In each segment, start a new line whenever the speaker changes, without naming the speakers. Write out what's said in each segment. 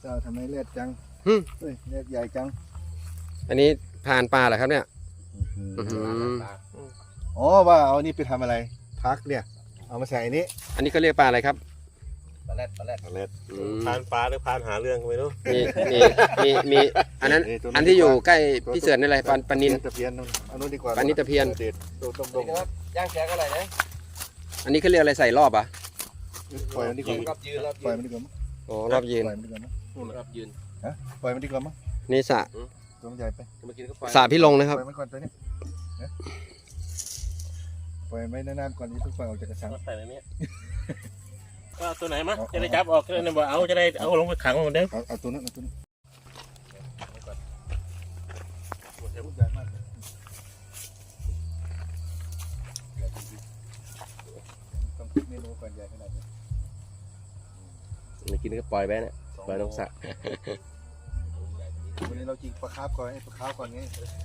จ้าทำไมเลือดจังเฮ้ยเลือดใหญ่จัง
อันนี้พานปลาเหรอครับเนี่ย
อ๋อว่าเอานี่ไปทำอะไรพักเนี่ยเอามาใส่อันนี้
อันนี้เขาเรียกปลาอะไรครับ
ปลาแรด
พานปลาหรือพานหาเรื่องไม่รู้
มีอันนั้นอันที่อยู่ใกล้พี่เสือนี่อะไรปลานิน
ตะเพียนอันนู้นดีกว่า
ปลานินตะเพียน
ตรง
ย่างแกงอะไรนะ
อันนี้เขาเรียกอะไรใส่รอบอ่ะ
ปล่อยมันดีกว่าปล่อยมันดีกว่ามั้ง
อ๋อรอบยืน
ปล่อยมันดีกว่ามั้ง
รอบยืน
ฮะปล่อยมันดีกว่ามั้ง
นี่สระ
ตัวใหญ่ไป
สระพี่ลงนะครับ
ปล่อยมันก่อนตัวนี้ปล่อยไว้นานๆก่อนที่ทุกฝ่ายออกจากกระชัง
ใส่ในนี้ก็ตัวไหนมั้งจะได้จับออกจะได้บอกเอาจะได้เอาลงไปขังเหมือนเดิม
เอาตัวนั้นเอาตัวนี้ต้องคิดเมนูก่อนใหญ่ขนาดนี้
ไม่กินก็ปล่อยไปนะปล่อยลงสระ
วันนี้เราจิงปลาคาร์ฟก่อนไอ้ปลาคาร์ฟก่อนไง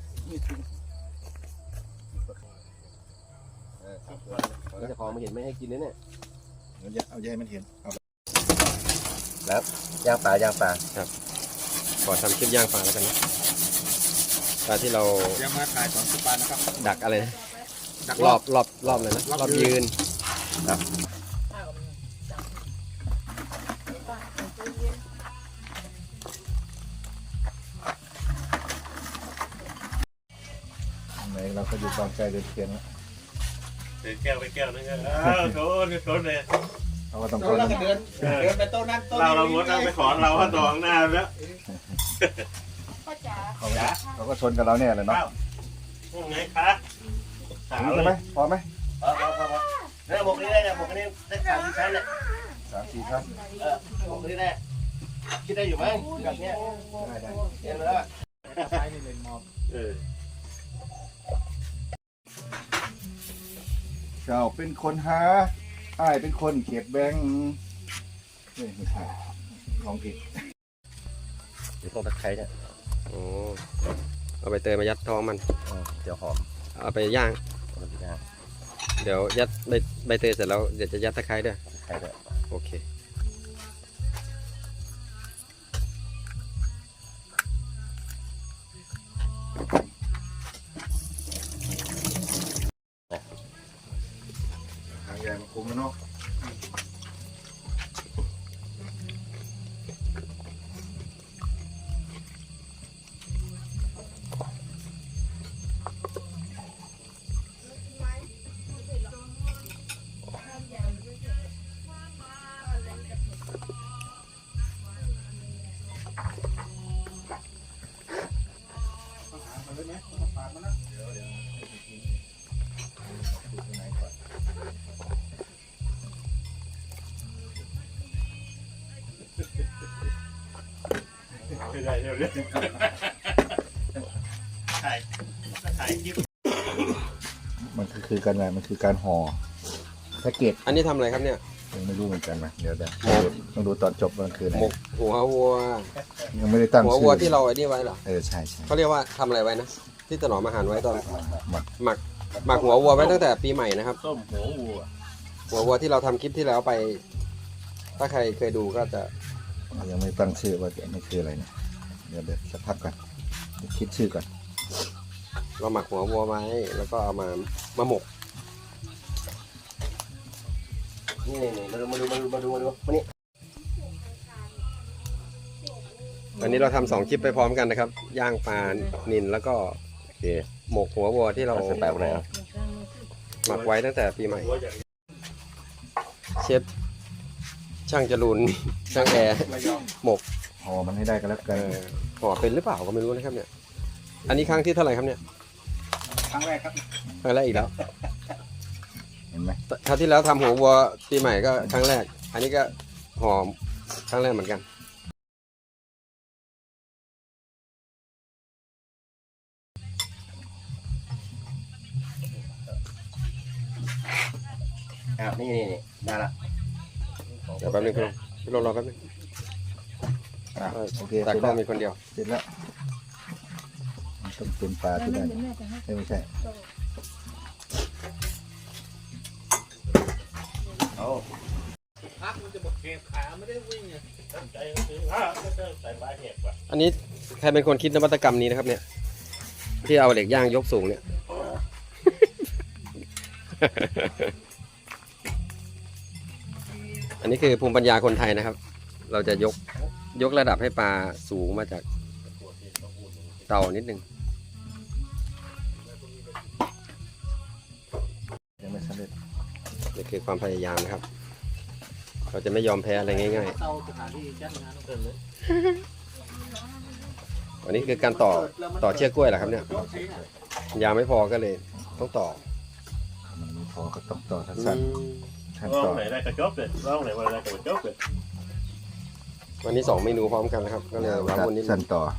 จะขอมาเห็นไม่ให้กินเนี่ย
เอาใหญ่มันเห็นเอา
แล้วย่างปลา
ครับขอทำคลิปย่างปลาแล้วกันนะปลาที่เรา
ย่างมาถ่ายสองชุดปลานะครับ
ดักอะไรนะรอบเลยนะรอบยืนครับ
เราก็อยู่กองใจเดือดเทียนแล้ว
แก้วไปแก้วนึงโถเลย
เราก็ต้องเดิน
ไปโต๊ะนั้นโต๊ะ
เราหมดเราไปขอเราว่าต่อข้างหน้าแล้ว
เขาก็ชนกับเราเนี่ยเลยเนาะ
ไงคะ
ใช่ไหมพอไหม
พอแล้วหมกนี้ได้หมกนี้ได้3-4 ชั้นเนี่ย
3-4 ชั้น
หมกนี้ได้คิดได้อยู่ไหมแบบนี้
ได้
เห็นแล้ว
ใช้นี่เลยมอบเจ้าเป็นคนหาอ้ายเป็นคนเก็บแบงค์ไม่ใช่ของผิด
เดี๋ยวพวกตะไคร้เนี่ย
โอ้เอาใบเตยมายัดท้องมัน
เดี๋ยวหอม
เอาไปย่างเดี๋ยวยัดใบเตยเสร็จแล้วเดี๋ยวจะยัดตะไคร้ด้วยโอเค
ทางใหญ่มาคุมมันเนาะ
ไม่ได้เดี๋ยวถ่ายคลิป
มันคือการอะไรมันคือการห่อแพ็กเกจ
อันนี้ทำอะไรครับเนี่ย
ยังไม่รู้เหมือนกันนะเดี๋ยวต้องดูตอนจบมันคืออะไร
หมกหัววัว
ยังไม่ได้ตั้ง
หัววัวที่เราไอ้นี่ไว้เหรอ
ใช่
เขาเรียกว่าทำอะไรไว้นะที่ถนอมอาหารไว้ตอนหมักหัววัวไว้ตั้งแต่ปีใหม่นะครับ
ต้มหัว
วัวที่เราทำคลิปที่แล้วไปถ้าใครเคยดูก็จะ
ยังไม่ตั้งชื่อว่านี่คืออะไรเนี่ยเดี๋ยวสักพักก่อนคิดชื่อก่อน
เราหมักหัววัวไว้แล้วก็เอามาหมก
นี่มาดูนี่
อันนี้เราทำ2คลิปไปพร้อมกันนะครับย่างปลานิลแล้วก็หมกหัววัวที่เรา
แปลกไหน
หมักไว้ตั้งแต่ปีใหม่เชฟช่างจรูนช่างแอร์หมก
ห่อมันให้ได้กันแล้วกัน
ห่อเป็นหรือเปล่าก็ไม่รู้นะครับเนี่ยอันนี้ครั้งที่เท่าไหร่ครับเนี่ย
ครั้งแรกครับ
ครั้งแรกอีกแล้ว
เห็นไหม
คราวที่แล้วทำหัววัวปีใหม่ก็ครั้งแรกอันนี้ก็ห่อครั้งแรกเหมือนกัน
นี่ได้ละ
เดี๋ยวแป๊บนึงพี่ลงรอแป๊บนึง
โอเค
แต่ก็มีคนเดียว
เสร็จแล้วต้องเป็นปลาที่ได้ไม่ใช่
เอา
พักมันจะบอกเก็บขาไม่ได้วิ่งไงตั้งใจเขาซื้อใส่ปลาเห็ดว่ะ
อันนี้ใครเป็นคนคิดนวัตกรรมนี้นะครับเนี่ย ที่เอาเหล็กย่างยกสูงเนี่ย อันนี้คือภูมิปัญญาคนไทยนะครับ เราจะยกระดับให้ปลาสูงมาจากเตานิดนึง
ยังไม่สำเร็จ
นี่คือความพยายามนะครับ เราจะไม่ยอมแพ้อะไรง่าย
เตาสถานที่จัดงานต้องเกินเลย
ๆ อันนี้คือการต่อเชือกกล้วยเหรอครับเนี่ย ยาวไม่พอก็เลยต้องต่อ
มันไม่พอก็ต้องต่อ
อื
สั้น
ม
ๆขั้น
ลอ
ต่
ง
อ
ไหนได้กระจบเลยลองไหนวันไหนกระจบเลย
วันนี้2 เมนูพร้อมกันนะครับ ก็เลยว้าวุ่นนิดนึ
สั้น
ง
ต่อ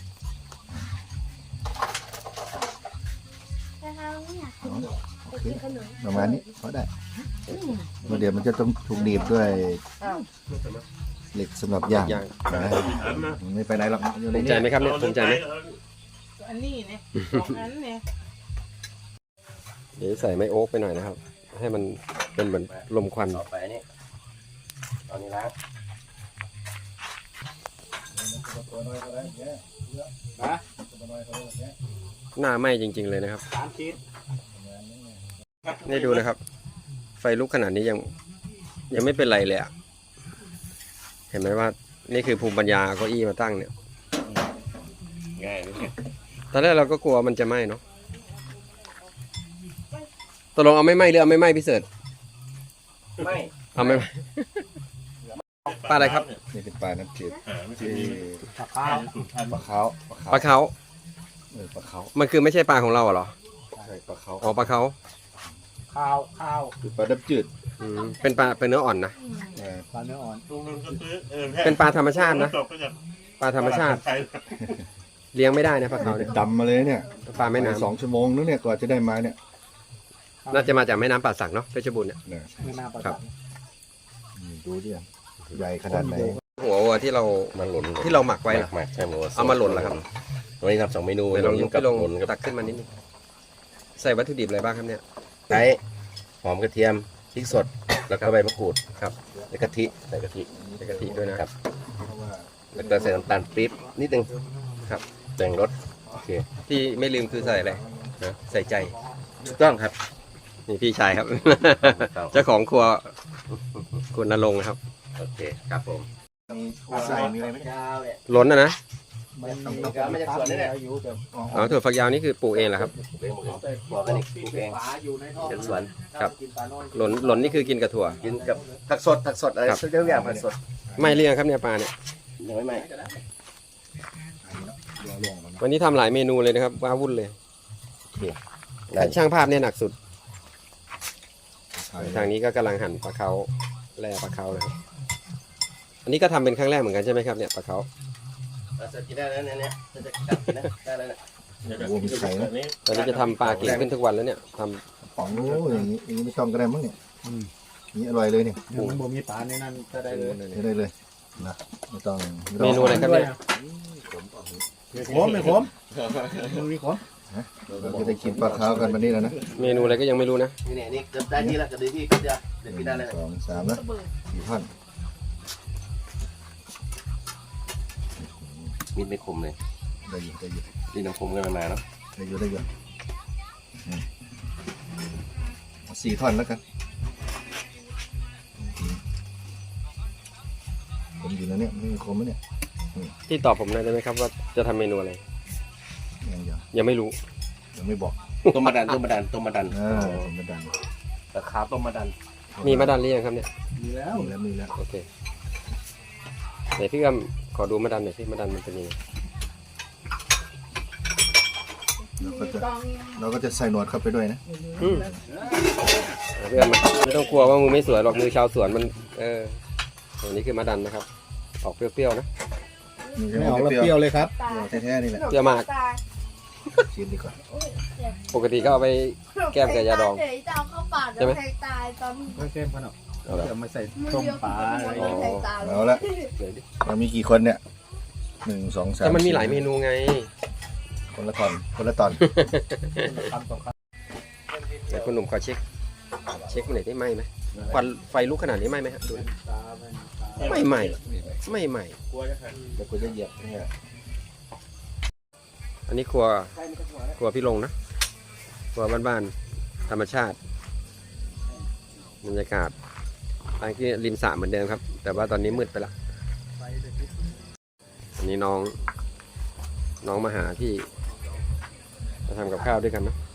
โอเคประมาณนี้พอได้เดี๋ยวมันจะต้องถูกดีบด้วยเหล็กสำหรับย่าง
ย่าง
นะมันไม่ไปไหนหรอกอยู่ใน
ภูมิใจ
นี้
ไหมครับเนี่ยภูมิใจไหม
อันนี้เนี่ยอันเนี่ย
เดี๋ยวใส่ไม้โอ๊กไปหน่อยนะครับ ให้มันเป็นเหมือนลมควัน
ต่อไปนี่ตอนนี้ล้าง
หน้าไหม้จริง ๆเลยนะครับ
3 ชิ้น
นี่ดูนะครับ ไฟลุกขนาดนี้ยังไม่เป็นไรเลยอะเห็นไหมว่านี่คือภูมิปัญญาเอาเก้าอี้มาตั้งเนี่ย
ง่ายเลย
ตอนแรกเราก็กลัวมันจะไหม้เนาะตกลงเอาไม่ไหม้หรือเอาไม่ไหม้พี่เสิร์ช
ไม่
เอาไม่ไหม้ปลาอะไรครับ
นี่เป็นปลาน้ำจืด
ไม่ใช่
ที่
มี
ปลาขาว
ปลาเขา
ปลาขาว
มันคือไม่ใช่ปลาของเราเหรอ
ใช่ปลาขาว
อ๋อปลาเขา
ข้าว
คือปลาน้ำจืด
อืมเป็นปลาเป็นเนื้ออ่อนนะ
ปลาเนื้ออ่อน
ตรงนึงก็ซื้อ
เป็นปลาธรรมชาตินะ
จบก็จะ
ปลาธรรมชาติ เลี้ยงไม่ได้นะปลาเขาเนี่ย
ดำมาเลยเนี่ย
ปลาแม่น้
2 ชั่วโมงนึงเนี่ยกว่าจะได้มาเนี่ย
ำน่าจะมาจากแม่น้ำป่าสักเนาะเพชรบูรณ์เนี่ย
เนี่ย
ไม่น่าปลา
ครับ
ดูดิใหญ่ขนาดไหน
หัววัวที่เรา
มันหล่น
ที่เราหมักไว้เหรอ
หมักใช่หมด
เอามาหล่นเหรอครับ
วันนี้ทำ2 เมนู
ไปลองยก
กั
ไปลง
หล่นกับ
ตักขึ้นมานิดนึงใส่วัตถุดิบอะไรบ้างครับเนี่ย
ไก่หอมกระเทียมพริกสดแล้วก็ใบมะกรูด
ครับ
แล้วกะทิใส่กะทิ
ใส่กะทิด้วยนะครับ
แล้วก็ใส่น้ำตาลปี๊บนิดนึง
ครับ
แต่งรสโอเค
ที่ไม่ลืมคือใส่อะไรนะใส่ใจ
ถูกต้องครับ
นี่พี่ชายครับ
ครับ
เจ้าของครัวคุณนรงค์นะครับ
โอเคครับผม
มีใส่มีอะไรไหม
ยาวเนี่ย
ล้นนะ
มันมี
ไม่จะสวนนี่แหละ
อยู่แบบ
อ๋อถั่วฝักยาวนี่คือปลูกเองเหรอครับ
บอกกันอีกปลูกเอง
ปลาอยู่ในท่อ
เป็นสวน
ครับ
กินปลาน้อย
หล่นนี่คือกินกับถั่ว
กินกับผักสดอะไร
ครับ
ทุกอย่างผักสด
ไม่เลี้ยงครับเนี่ยปลาเนี่ย
ยังไม่ไหม
วันนี้ทำหลายเมนูเลยนะครับว้าวุ่นเลย
ได้
ช่างภาพเนี่ยหนักสุด ทางนี้ก็กำลังหั่นปลาเขาแล่ปลาเขานะครับ อันนี้ก็ทำเป็นครั้งแรกเหมือนกันใช่ไหมครับเนี่ยปลาเขา
เราจะกินได้แล้วเนี่ยจะกินนะได้แล้วเนี่ย
โอ้มีไข่นะ
ตอนนี้จะทำปลาเก่งขึ้นทุกวันแล้วเนี่ยทำ
ป๋องโอ้อย่างนี้ไม่ต้องก็ได้มั้งเนี่ยนี่อร่อยเลยเนี่ย
มันบ่มีปลาในนั้นก็ได้เลย
ใช้ได้เลยนะไม่ต้อง
เมนูอะไรครับเนี่ย
ขมไม่ขมมันมีขม
เราจะได้กินปลาขาวกันวันนี้แล้วนะ
เมนูอะไรก็ยังไม่รู้นะ
นี่เนี่ยนี่เกือบได้ที่แล้วเกือบได้ที่ก็จะเด็ดกินได้เลย
2 3นะ4 ท่อน
มีดไม่คมเลย
ได้อยู่ได้อยู่
นี่น้ำคมกันมาเนาะ
ได้อยู่ได้อยู่4 ท่อนแล้วกันผมอยู่นะเนี่ยไม่มีคมไหมเนี่ย
ที่ตอบผมหน่อยได้ไหมครับว่าจะทำเมนูอะไร ยังไม่รู้
ยังไม่บอก
ต้มมะดันต้มมะดันต้มมะดัน
ผมไม่ดัง
ตะขาต้มมะดัน
มีมะดันหรือยังครับเนี่ย
มีแล้ว
มีแล้ว
โอเคไหนพี่กำขอดูมะดันหน่อยที่มะดันมันเป็นยังไง
เราก็จะใส่หนวดเข้าไปด้วยนะ
อืมพี่กำไม่ต้องกลัวว่ามือไม่สวยหรอกมือชาวสวนมันอันนี้คือมะดันนะครับ ออกเปรี้ยวๆนะ
ไม่ออกแล้วเปรี้ยวเลยครับ
แท้ๆนี่แหละ
เปรี้ยวมาก
ชิมดีกว่า
ปกติก็เอาไป แก้มกับยาดอง
เดี๋ยวจะเอาเข้าปาก
ใช่ไหม
แล้วแทงตายตอน
ไม่เข้มขนาด
เอาละ
เดี๋ยวมาใส่
มือ
ต้ม
เดียว
ปลาอะไร
มือเดียวแทงตายเลย
เอาละ
เดี๋ยวดิ
เรามีกี่คนเนี่ย1 2 3
แต่มันมีหลายเมนูไง
คนละตอนคนละตอน
คำสองค
เดี๋ยวคุณหนุ่มขอเช็คมันหน่อยได้ไหมควันไฟลุกขนาดนี้ไหมฮะดูนะ
ำปลาเป็นปลา
ไม่ใหม่ไม่ใหม่
กลัวจะหัน
เดี๋ยวกูจะเหยียบเนี่ย
อันนี้ครัวพี่ลงนะครัวบ้านๆธรรมชาติบรรยากาศอันนี้ริมสระเหมือนเดิมครับ แต่ว่าตอนนี้มืดไปละอันนี้น้องมาหาที่มาทำกับข้าวด้วยกันนะ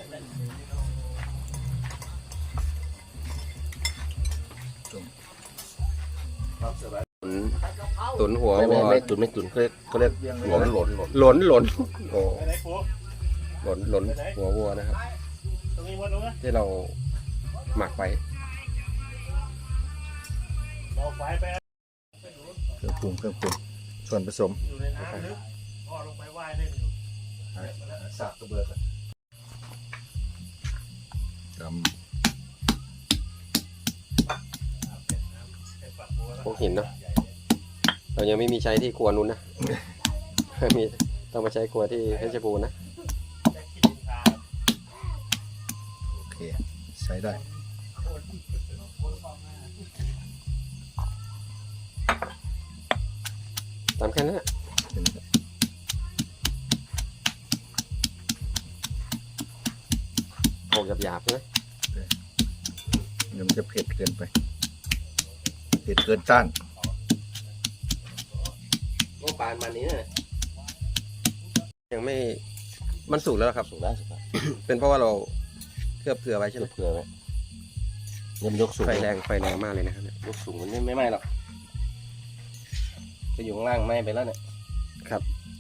ตุ๋นหัววัว
ไม่ตุนเขาเรียกหลน
หลนโอ้
ไปไหนปู
หลนหัววัวนะครับ
ตรงนี้หมดแล้วนะ
ที่เราหมักไว้
บอกไฟไป
เครื่องปรุงส่วนผสม
อยู่ในน้ำลึกพ่อลงไปว่ายเล่นอยู่
สับกระเบือกจ
พวกหินเนาะเรายังไม่มีใช้ที่ครัวนู้นนะ มีต้องมาใช้ครัวที่เพชรบูรณ์นะ
ำโอเคใช้ได้
ตามแค่นั้นแหละโขลกหยาบๆใช่ไหม
เดี๋ยวมันจะเผ็ดเกินไปเผ็ดเกินต้าน
โอ้ปานมานี้
ยังไม่มันสุกแล้วครับ
สุกได้
เป็นเพราะว่าเราเคลือบเกลือไว้ใช่ไหม
เผื่อไหมเนี่ยมันยกสูง
ไฟแรงมากเลยนะครับเนี่ย
ยกสูงมันไม่ไหม้หรอกไปอยู่ข้างล่างไหม้ไปแล้วเนี่ย
ครับ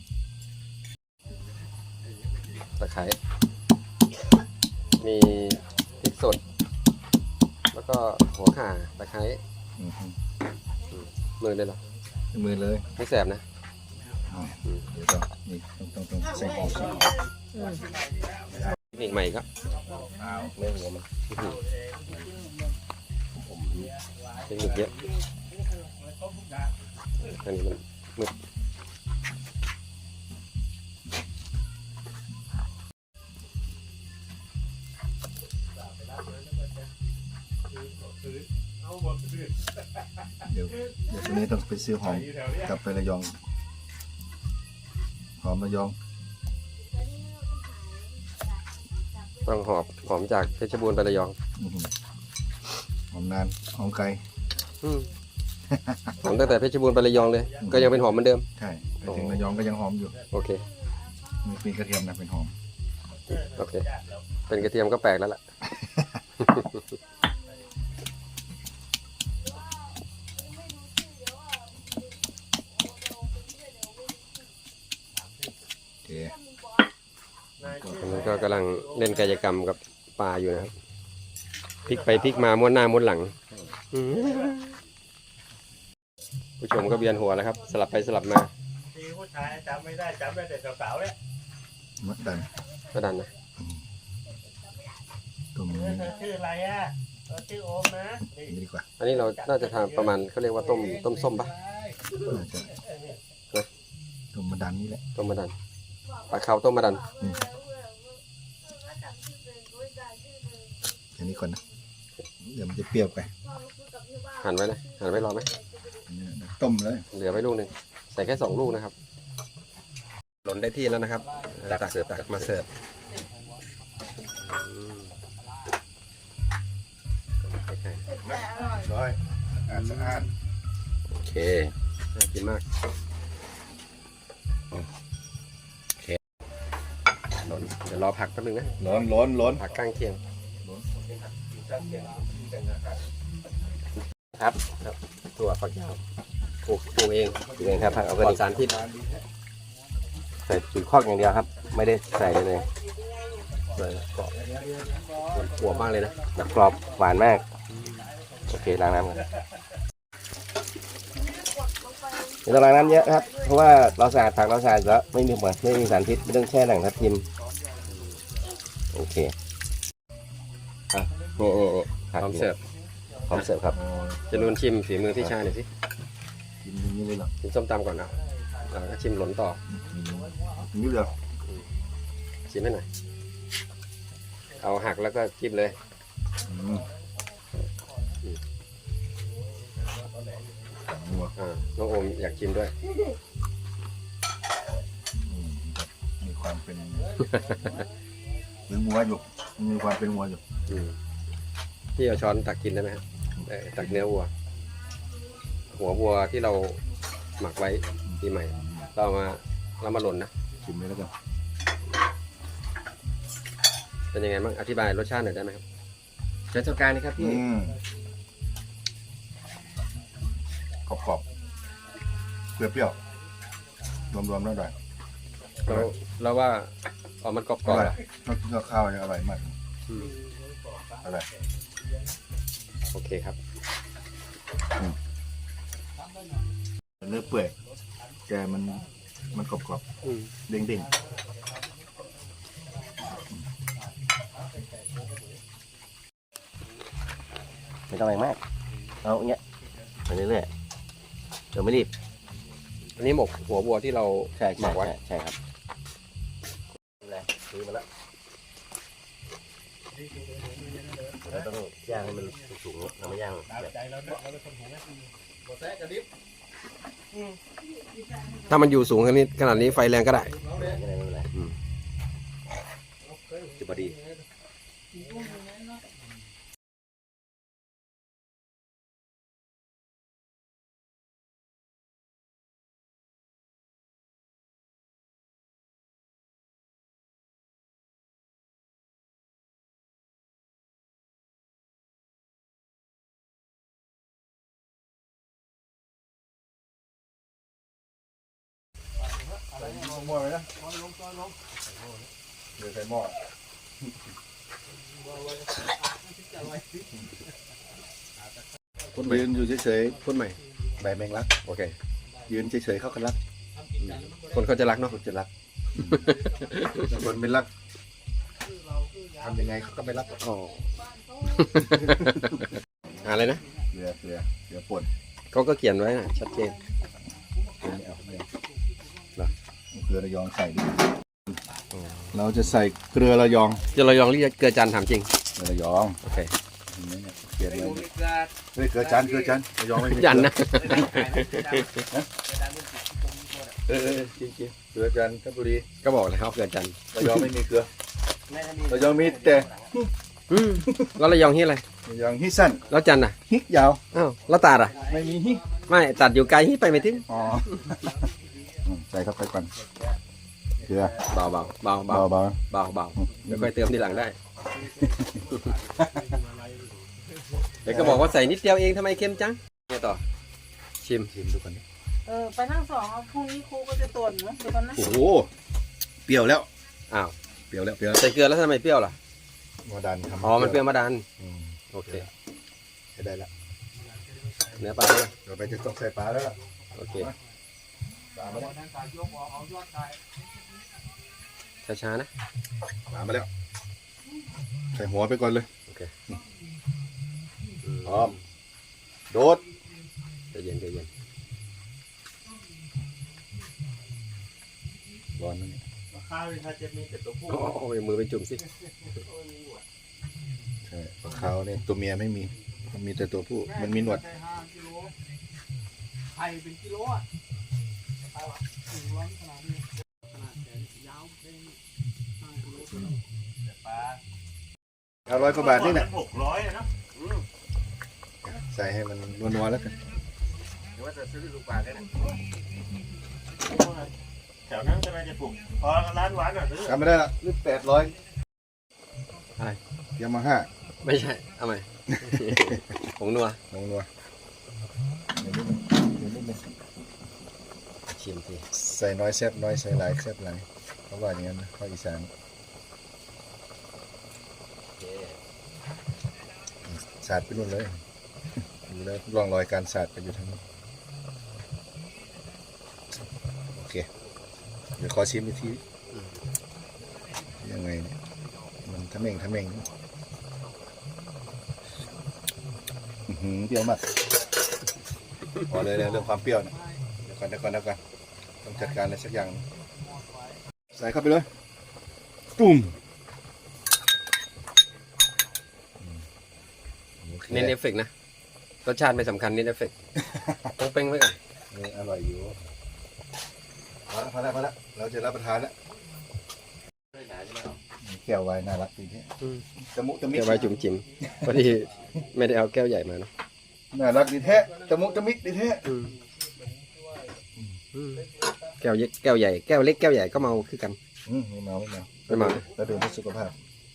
ตะไคร้มีพริกสด แล้วก็หัวข่าตะไคร้
อือฮึ
มือเลยเหรอ
มือเลย
ไม่แสบนะ
อ๋อเดี๋ยวนี่ต้องใส่หอม
เทคนิคใหม่ก็
ไม่หัวมัน
เทคนิคเยอะอันนี้มันมืด
เดี๋ยวตรงนี้ต้องไปซื้อหอมกลับไประยองหอมระยอง
ต้องหอมจากเพชรบูรณ์ไประยอง
อื้อหือหอมนานหอมไกล
หอมตั้งแต่เพชรบูรณ์ไประยองเลย ก็ยังเป็นหอมเหมือนเดิม
ใช่ไปถึงระยองก็ยังหอมอยู่
โอเค
มีกระเทียมนะเป็นหอม
โอเค เป็นกระเทียมก็แปลกแล้วล่ะ
โอเค
ตอนนี้ก็กำลังเล่นกายกรรมกับปลาอยู่นะครับพลิกไปพลิกมาม้วนหน้าม้วนหลังผู้ชมก็เบียนหัวแล้วครับ สลับไปสลับมา
ดีผู้ชายจำไม่ได้จำได้แต่สาวๆเนี่ย
มะดัน
ก็ดันนะ
ต้มนี้
ชื่ออะไรอ่ะชื่อโอมนะนี่
นี่ดีกว่า
อันนี้เราน่าจะทำประมาณเขาเรียกว่าต้มส้มปะ
น่าจะต้มมะดันนี่แหละ
ต้มมะดันปลาเขาต้มมะดัน
อันนี้ก่อนนะเดี๋ยวมันจะเปรี้ยวไป
หั่นไว้เลยหั่นไว้รอไหม
ต้มเลย
เหลือไว้ลูกหนึ่งใส่แค่2 ลูกนะครับหล่นได้ที่แล้วนะครับตักมาเสิร์ฟ
ร้อยสะอาด
โอเคน่ากินมากหล่นเดี๋ยวรอผักแป๊บนึงนะ
ร้อน
ผักก้างเคียง
ครับ
ถั่วฝักยาวปลูกเอง
เองครับผักเอา
ป
ไป
ลอดสารพิษ
ใส่จุดคอกอย่างเดียวครับ ไม่ได้ใส่เลย
หัวมากเลยนะ
แบบกรอบหวานมาก โอเคล้างน้ำกันไม่ต้องล้างน้ำเยอะครับ เพราะว่าเราสะอาดผักเราสะอาดแล้วไม่มีสารพิษไม่ต้องแช่หนังทับทิมโอเคนี่ผัก
พร้อมเสิร์ฟ
พร้อมเสิร์ฟครับ
จะนูนชิมฝีมือพี่ชายหน่อยสิ
กินอย่างนี้เลยเหรอ
ชิมส้มตำก่อนนะแล้วก็ชิมหล่นต่อ
อย่างนี้เลยเหรอ
ชิมให้หน่อยเอาหักแล้วก็จิ้มเลย
อืมงัว
น้องโอมอยากชิมด้วย
มีความเป็น หรืองัวอยู่มีความเป็นงัวอยู่
พี่เอาช้อนตักกินได้ไหมครับตักเนื้อวัว หัววัวที่เราหมักไว้ปีใหม่ เรามาหล่นนะ
ชิมเลยแล้วกัน
เป็นยังไงบ้างอธิบายรสชาติหน่อยได้ไหมครับ
เชิญเจ้าการนี่ครับพี่
กรอบๆเปรี้ยวๆรวมๆแล้วได้
แล้วว่ามันกรอบ
อร่อย
ๆอะ
ต้องกินกับข้าวเนี่ยอร่อยมากอร่อย
โอเคครับ
เนื้อเปื่อยแต่มันกรอบๆเด้งๆ
ไม่ต้องแรงมากเอาอย่างเงี้ยไปเรื่อยๆเดี๋ยวไม่รีบ
อันนี้หมกหัววัวที่เรา
ใช่
หมักไว้
ใช่ครับซื้อมาแล้วเราต้องย่างให้มันสูงๆเราไม่ย่างแบบ
ถ้ามันอยู่สูงขนาดนี้ไฟแรงก็ได้
ไม่เป็นไรจะพอดี
หม้อเลยนะเดี๋ยวใส่หม้อยืนอยู่เฉย
พูดใหม่
ๆใบแมงลัก
โอเค
ยืนเฉยๆเขาก็รัก
คนเขาจะรักเนาะ
คนจะรักคนไม่รักทำยังไงเขาก็ไม่รัก
อ๋อ อะไรนะ
เรือป่น
เขาก็เขียนไว้นะชัดเจน
ไม่เอาไม่เอา
เหรอ
เกลือระยองใส่ดิเราจะใส่เกลือระยอง
จะเรายองเรียกเกลือจันทร์ถามจริง
เกลือระยอง
โอเค
เขียนไว้เฮ้ยเกลือจันทร์ระยองไม่มี
จันทร์นะ
จริงๆเกลือจันทบุรี
ก็บอกเลยเขาเกลือจันทร์
ระยองไม่มีเกลือระยองมีแต่
แล้วเรายองที่อะไร
ระยองฮิสั้น
แล้วจันทร์อ่ะ
ฮิยาว
อ้าวแล้วตัดอ่ะ
ไม่มีฮิ
ไม่ตัดอยู่ไกลที่ไปไม่ถึง
อ๋อใส่เข้าไปก่อนเกลือ
เบาเบาเบาเบา
เบา
เบาเบาเดี๋ยวค่อยเติมทีหลังได้ เดี๋ยวก็บอกว่าใส่นิดเดียวเองทำไมเค็มจังไงต่อ ชิม
ชิมดูก่อนดิ
ไปนั่งสองพรุ่งนี้ครูก็จะตรวจนะดูกันนะ
โอ้โหเปรี้ยวแล้ว
อ้าว
เปรี้ยวแล้ว
ใส่เกลือแล้วทำไมเปรี้ยวล่ะ
โมดันทำ
อ๋อ มันเปรี้ยวมาดัน
อืม
โอเค
ใช้ได้ละ
เนื้อปลาด้วย
เดี๋ยวไปจะต้องใส่ปลาแล้วล่ะ
โอเค
ปลามาแล้ว
ช้าๆนะ
ปลามาแล้ว ใส่หัวไปก่อนเลย
โอเค
พร้อมโดด
ใจเย็นใจเย็น
ร้อนนะนี่
ข้าวถ้าจะมีแต่ตัวผู้
โอ้ยมือไปจุ่มสิ
ใช่ปลาขาวเนี่ยตัวเมียไม่มีมันมีแต่ตัวผู้มันมีหนวด
ไข่เป็นกิโลอ่ะไข่วะ100ขนาดนี้ขนาดแขนยาวเป็น5 กิโล
100 กว่าบาทนี่แหละ
600นะ
ใส่ให้มันนัวๆแล้วกัน
หรือว่าจะซื้อลูกปลาได้นะ
แถวนั้นจะน่าจะปลูกพอร้านหวานอ่ะซื้อ
จำไม่ได้ละหรือ800
อะไร
ยามาฮ่า
ไม่ใช่ เอาใหม่ ผงนัว
ลงนัวเดี๋ยวนิดนึง
ชิมสิ
ใส่น้อยแซ่บน้อยใส่หลายแซ่บหลายเขาว่าอย่างนั้นนะภาคอีสานสาดไปนู่นเลยดูแล้วร่องรอยการสาดไปอยู่ทางนู้นโอเคเดี๋ยวขอชิมอีกทียังไงเนี่ยมันทะเม่งอื้อหือเปรี้ยวมากพอเลยเรื่องความเปรี้ยวเนี่ยเดี๋ยวก่อนต้องจัดการอะไรสักอย่าง ใส่เข้าไปเลยตุ่มโอค
เน้นเอฟเฟกต์นะรสชาติไม่สำคัญนี่เอฟเฟกต์ต้องเป้งไว้ก่อน
นี่อร่อยอยู่พอแล้วเราจะรับประทานแล้วแก้วไวน์น่ารักดีที่ตะมุตะมิ
แก้วไว้จุ่มจิ๋มพอดีไม่ได้เอาแก้วใหญ่มาเนาะ
น่ารักดีแท้ตะมุตะมิดีแท้
แก้วเล็กแก้วใหญ่แก้วเล็กแก้วใหญ่ก็เมาคือกัน
ไม่เมา
ไม่เมา
แล้วดื่มเพื่อสุขภาพ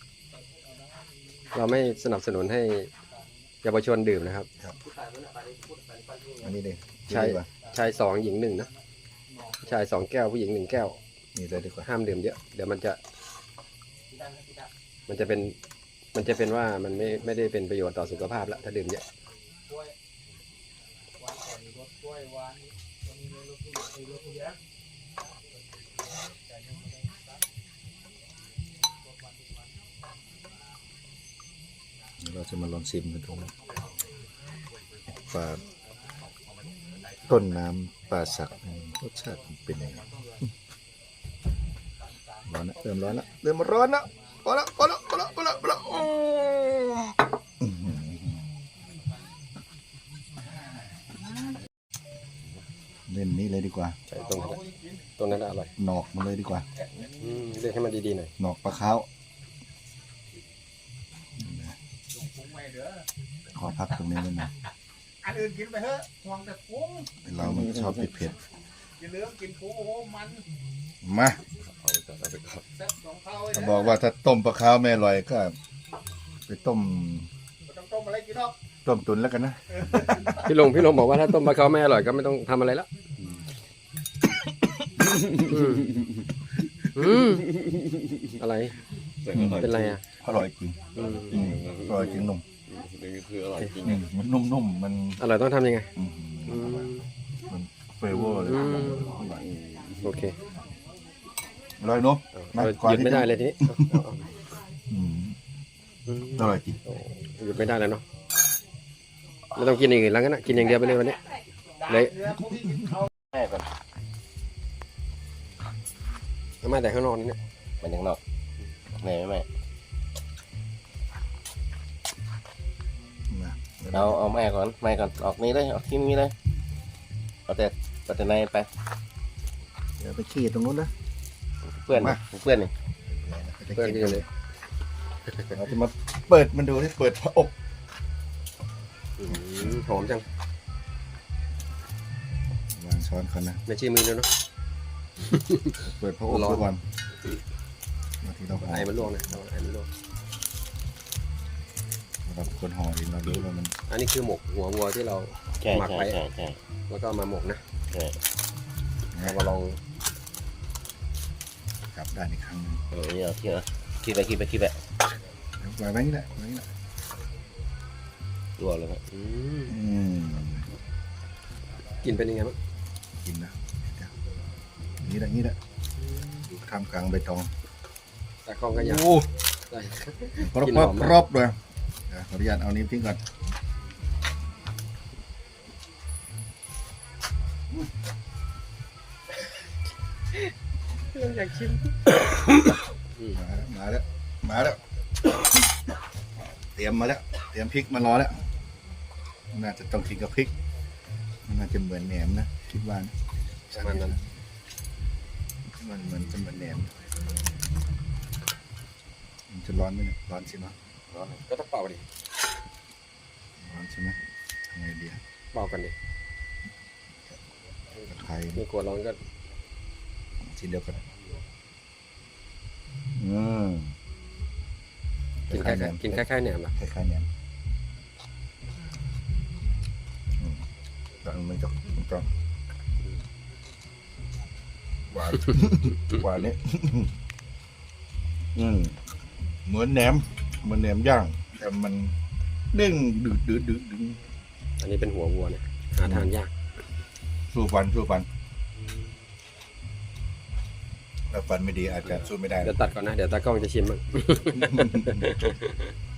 เราไม่สนับสนุนให้เยาวชนดื่มนะครับ
อันนี้ดิ
ใช่ชายสองหญิงหนึ่งนะชาย2 แก้วผู้หญิง1 แก้ว
นี่เลยดีกว่า
ห้ามดื่มเยอะเดี๋ยวมันจะเป็นว่ามันไม่ได้เป็นประโยชน์ต่อสุขภาพแล้วถ้าดื่มเยอะ
เราจะมาลองชิมกันดูปลาต้นน้ำปลาสักรสชาติเป็นยังไงร้อนนะเริ่มร้อนแล้วเริ่มร้อนแล้วพอแล้วเล่นนี้เลยดีกว่า
ใช่ตรงนั้นอร่อย
หนอกมันเลยดีกว่า
เรียกให้มันดีๆหน่อย
หนอกปลาขาวขอพักตรงนี้นิดหนึง
อันอื่นกินไปเถอะห่วงแต่พุง
เรามันชอบเผ็ด
อย่าลืมกินพุงโอ้โหมัน
ๆมา
แซ่บสองเท่า
ถ้าบอกว่าถ้าต้มปลาขาวไม่อร่อยก็ไปต้ม
ไม่ต้องต้มอะไรกินหรอก
ต้มตุ๋นแล้วกันนะ
พี่ลงบอกว่าถ้าต้มปลาเขาไม่อร่อยก็ไม่ต้องทำอะไรแล้วอะไรเป็นไรอ่ะ
อร่อยจริงอร่อยจริงนุ่มมันนุ่มๆมัน
อร่อยต้องทำยังไง
มันเฟเวอร์เลย
โอเค
อร่อยเนาะ
หยุดไม่ได้เลยทีนี้
อร่อยจริง
หยุดไม่ได้แล้วเนาะไม่ต้องกินอย่างอื่นแล้วกันนะกินอย่างเดียวไปเลยวันนี้เลย
เนื้อพวกที่กินเขา
แม่ก่อน
เอามาแต่ข้างนอกนี่เนี่ย
มันยังนอกแม่ไม่
มา
เอาแม่ก่อนออกนี้เลยออกที่นี้เลยเอาแต่ในไป
เดี๋ยวไปขี้ตรงนู้นนะ
เพื่อนนี่
เพื่อนกินเลย
เราจะมาเปิดมันดูที่เปิดพระอบ
หอมจัง
วางช้อนก่อนนะ
ไม่ชี้มือด้วยเนาะ
เปิดพระอบทุกวันมาที่เราห่อ
ไอ้มันลวกนะไอ้มันลวก
เราคนห่อเองเรารู้ว่ามัน
อันนี้คือหมกหัววัวที่เรา
ใช่
หมักไว้
ใช่
แล้วก็เอามาหมกนะ
ใช่
เรามาลอง
กลับด้านอีกครั้งหนึง
นี่เอาคิดไป
เดี๋ยววางไว้นี่แหละวางไว้นี่แหละ
รวมเลยครับ
กินเป็นยังไงบ้าง
กินนะนี่แหละนี่แหละอยู่ท่ามกลางใบตอง
ตากล้องก็อยาก
โอ้
ได้
รอบเลยเดี๋ยวขออนุญาตเอานิ้วทิ้งก่อน
อยากชิม
มาแล้วเตรียมมาแล้วเตรียมพริกมารอแล้วน่าจะต้องกินกับพริกมันน่าจะเหมือนแหนมนะคิดว่านะ
ประมาณนั้น
มันเหมือนจะเหมือนแหนมมันจะร้อนไหมเนี่ยร้อนใช่ไหม
ก็ต้องเป่าดิ
ร้อนใช่ไหมทำไงดี
เป่ากันดิ
ตะไคร้
ไม่กลัวร้อนก็
ชิ้นเดียวกัน
กินคล้ายๆแหนมนะ
คล้ายๆแหนมแต่มันจะหวานหวานนี่เหมือนแหนมย่างแต่มันเด้งดึง
อันนี้เป็นหัววัวเนี่ยหาทานยาก
สู้ฟันถ้าฟันไม่ดีอาจจะสู้ไม่ได้
เดี๋ยวตัดก่อนนะเดี๋ยวตากล้องจะชิมบ้าง